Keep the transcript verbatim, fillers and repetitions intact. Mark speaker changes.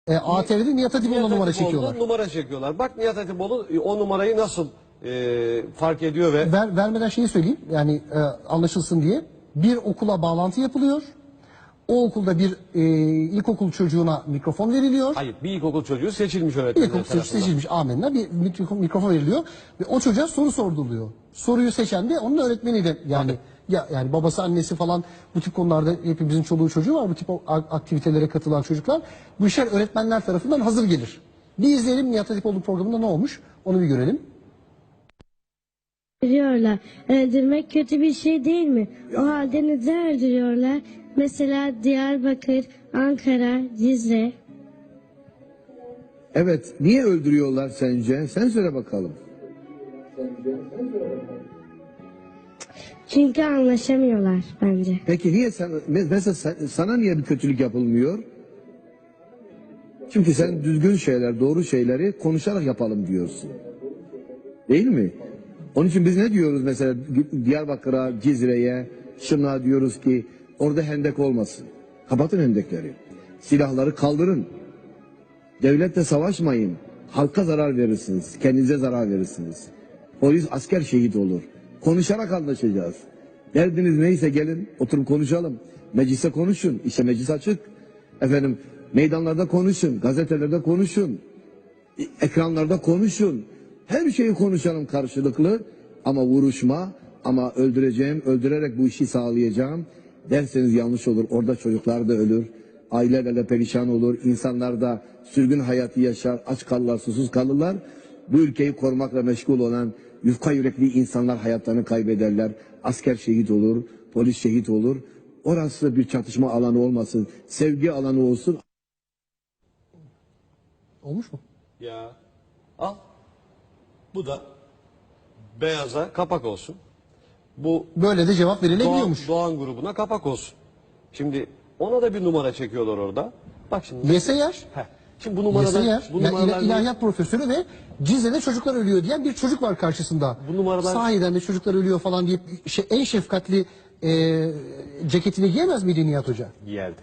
Speaker 1: E, A T V'de Nihat Hatipoğlu'na
Speaker 2: Nihat
Speaker 1: numara
Speaker 2: Hatipoğlu'na
Speaker 1: çekiyorlar.
Speaker 2: numara çekiyorlar. Bak Nihat Hatipoğlu e, o numarayı nasıl e, fark ediyor ve
Speaker 1: Ver, vermeden şeyi söyleyeyim, yani e, anlaşılsın diye. Bir okula bağlantı yapılıyor. O okulda bir e, ilkokul çocuğuna mikrofon veriliyor.
Speaker 2: hayır bir ilkokul çocuğu seçilmiş öğretmenler
Speaker 1: İlkokul çocuğu
Speaker 2: tarafından.
Speaker 1: seçilmiş, amenna, bir mikro- mikrofon veriliyor. Ve o çocuğa soru sorduruluyor. Soruyu seçen de onun öğretmeniyle, yani ya yani babası annesi falan, bu tip konularda hepimizin çoluğu çocuğu var. Bu tip o- a- aktivitelere katılan çocuklar. Bu işler öğretmenler tarafından hazır gelir. Bir izleyelim Nihat Hatipoğlu programında ne olmuş, onu bir görelim.
Speaker 3: Öldürüyorlar. Öldürmek kötü bir şey değil mi? O halde neden öldürüyorlar? Mesela Diyarbakır, Ankara, Cizre.
Speaker 4: Evet, niye öldürüyorlar sence? Sen söyle bakalım.
Speaker 3: Çünkü anlaşamıyorlar bence.
Speaker 4: Peki niye sen, mesela sen- sana niye bir kötülük yapılmıyor? Çünkü sen düzgün şeyler, doğru şeyleri konuşarak yapalım diyorsun. Değil mi? Onun için biz ne diyoruz mesela Diyarbakır'a, Cizre'ye, şuna diyoruz ki orada hendek olmasın. Kapatın hendekleri. Silahları kaldırın. Devletle savaşmayın. Halka zarar verirsiniz. Kendinize zarar verirsiniz. Polis, asker şehit olur. Konuşarak anlaşacağız. Derdiniz neyse gelin oturup konuşalım. Meclise konuşun. İşte meclis açık. Efendim meydanlarda konuşun. Gazetelerde konuşun. Ekranlarda konuşun. Her şeyi konuşalım karşılıklı. Ama vuruşma, ama öldüreceğim, öldürerek bu işi sağlayacağım derseniz yanlış olur. Orada çocuklar da ölür. Aileler de perişan olur. İnsanlar da sürgün hayatı yaşar. Aç kalırlar, susuz kalırlar. Bu ülkeyi korumakla meşgul olan yufka yürekli insanlar hayatlarını kaybederler. Asker şehit olur, polis şehit olur. Orası bir çatışma alanı olmasın. Sevgi alanı olsun.
Speaker 1: Olmuş mu?
Speaker 2: Ya al. Bu da beyaza kapak olsun. Bu
Speaker 1: Böyle de cevap
Speaker 2: Doğan,
Speaker 1: verilebiliyormuş.
Speaker 2: Doğan grubuna kapak olsun. Şimdi ona da bir numara çekiyorlar orada. Bak şimdi.
Speaker 1: Yese yer.
Speaker 2: Heh. Şimdi bu
Speaker 1: Yese
Speaker 2: numaralar,
Speaker 1: yer.
Speaker 2: bu
Speaker 1: Yani
Speaker 2: numaralar
Speaker 1: ila- ilahiyat profesörü ve Cizre'de çocuklar ölüyor diyen bir çocuk var karşısında.
Speaker 2: Bu numaralar-
Speaker 1: Sahiden de çocuklar ölüyor falan deyip şey, en şefkatli e, ceketini giyemez miydi Nihat Hoca?
Speaker 2: giyerdi.